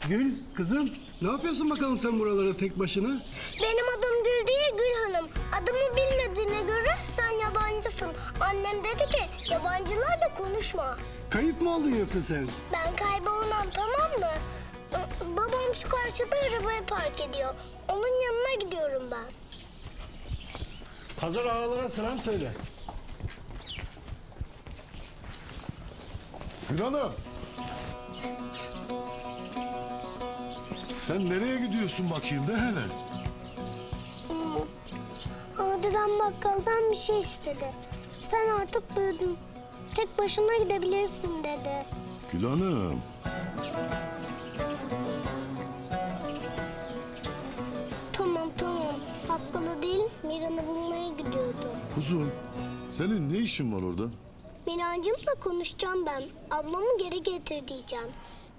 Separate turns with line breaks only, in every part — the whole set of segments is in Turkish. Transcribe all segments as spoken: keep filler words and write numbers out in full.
Gül, kızım ne yapıyorsun bakalım sen buralara tek başına?
Benim adım Gül değil Gül Hanım. Adımı bilmediğine göre sen yabancısın. Annem dedi ki yabancılarla konuşma.
Kayıp mı oldun yoksa sen?
Ben kaybolmam, tamam mı? Ee, Babam şu karşıda arabayı park ediyor. Onun yanına gidiyorum ben.
Hazır ağalara selam söyle.
Gül Hanım. Sen nereye gidiyorsun bakayım de hele?
Ama dedem bakkaldan bir şey istedi. Sen artık büyüdün. Tek başına gidebilirsin dedi.
Gül Hanım.
Tamam tamam. Bakkala değil Miran'ı bulmaya gidiyordu.
Kuzum, senin ne işin var orada?
Mirancımla konuşacağım ben. Ablamı geri getir diyeceğim.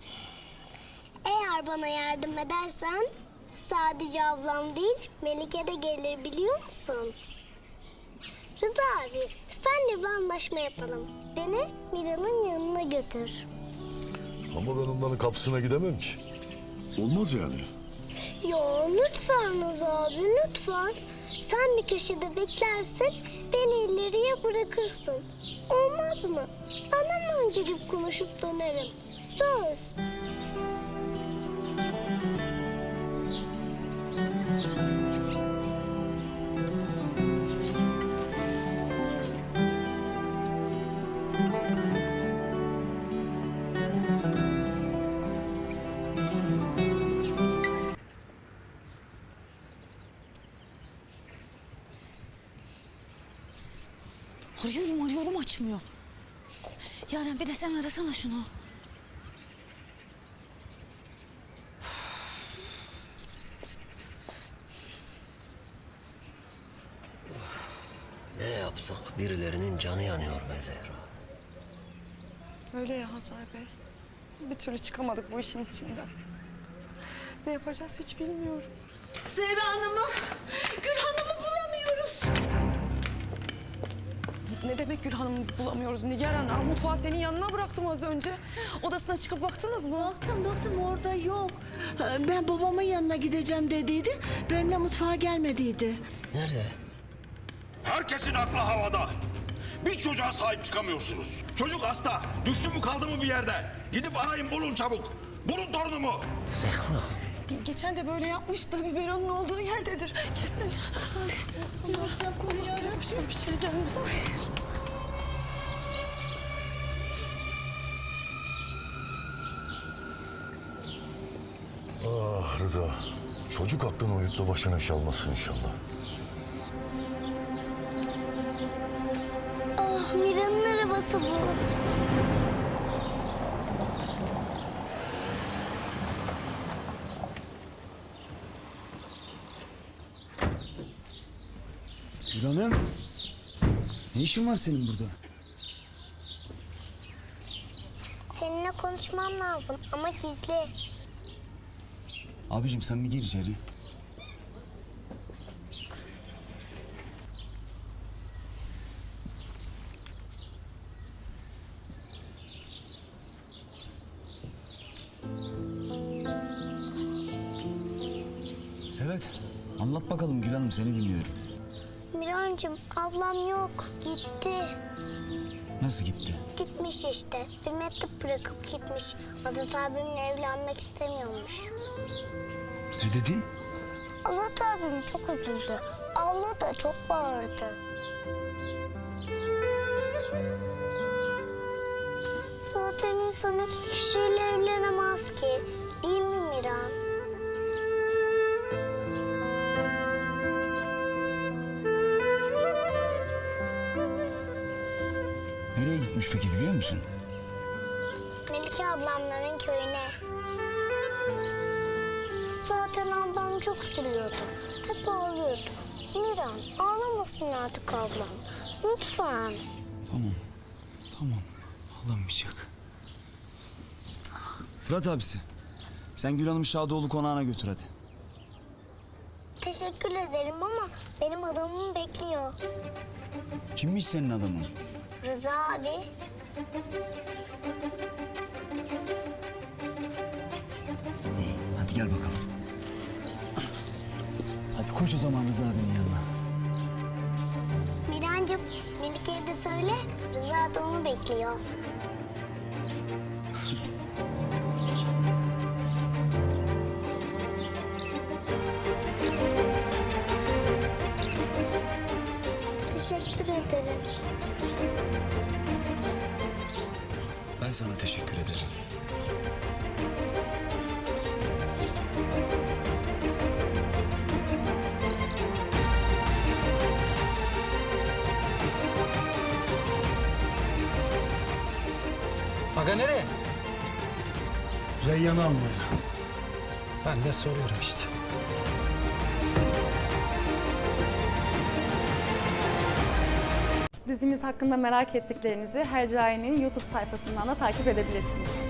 Eğer bana yardım edersen sadece ablam değil Melike de gelir biliyor musun? Rıza abi senle bir anlaşma yapalım. Beni Mira'nın yanına götür.
Ama ben onların kapısına gidemem ki. Olmaz yani.
Ya lütfen Rıza abi lütfen. Sen bir köşede beklersin beni ileriye bırakırsın. Olmaz mı? Ben hemen cicip konuşup dönerim. Söz.
Arıyorum arıyorum açmıyor. Yaren bir de sen arasana şunu.
Ne yapsak birilerinin canı yanıyor be Zehra.
Öyle ya Hazar Bey. Bir türlü çıkamadık bu işin içinden. Ne yapacağız hiç bilmiyorum.
Zehra Hanım'ı, Gül Hanım'ı bulamıyoruz.
Ne demek Gül Hanım'ı bulamıyoruz Nigar Ana? Mutfağı senin yanına bıraktım az önce. Odasına çıkıp baktınız mı?
Baktım baktım orada yok. Ben babamın yanına gideceğim dediydi. Benimle mutfağa gelmediydi.
Nerede?
Herkesin aklı havada. Bir çocuğa sahip çıkamıyorsunuz. Çocuk hasta. Düştü mü kaldı mı bir yerde? Gidip arayın bulun çabuk. Bulun torunumu.
Zehra.
Ge- Geçen de böyle yapmıştı. Biberonun olduğu yerdedir. Kesin.
Yok sen koruyorum.
Başıma bir şey gelmesin.
Ah Rıza, çocuk aklını uyut da başına iş almasın inşallah.
Ah Mira'nın arabası bu.
Gül Hanım. Ne işin var senin burada?
Seninle konuşmam lazım ama gizli.
Abicim sen bir gir içeri. Evet. Anlat bakalım Gül Hanım, seni dinliyorum.
Mirancığım ablam yok gitti.
Nasıl gitti?
Gitmiş işte. Bir mektup bırakıp gitmiş. Azat abimle evlenmek istemiyormuş.
Ne dedin?
Azat abim çok üzüldü. Abla da çok bağırdı. Zaten insan iki kişiyle evlenemez ki. Değil mi Miran?
Nereye gitmiş peki biliyor musun?
Melike ablamların köyüne. Zaten ablam çok üzülüyordu. Hep ağlıyordu. Miran ağlamasın artık ablam. Lütfen.
Tamam. Tamam. Ağlamayacak. Fırat abisi. Sen Gül Hanım'ı Şadoğlu konağına götür hadi.
Teşekkür ederim ama benim adamım bekliyor.
Kimmiş senin adamın?
Rıza abi.
İyi. Hadi koş o zaman Rıza abinin yanına.
Mirancığım, Melike'ye de söyle. Rıza da onu bekliyor. Teşekkür ederim.
Ben sana teşekkür ederim.
Aga nereye?
Reyyan'ı almaya.
Ben de soruyorum işte.
Dizimiz hakkında merak ettiklerinizi Hercai'nin YouTube sayfasından da takip edebilirsiniz.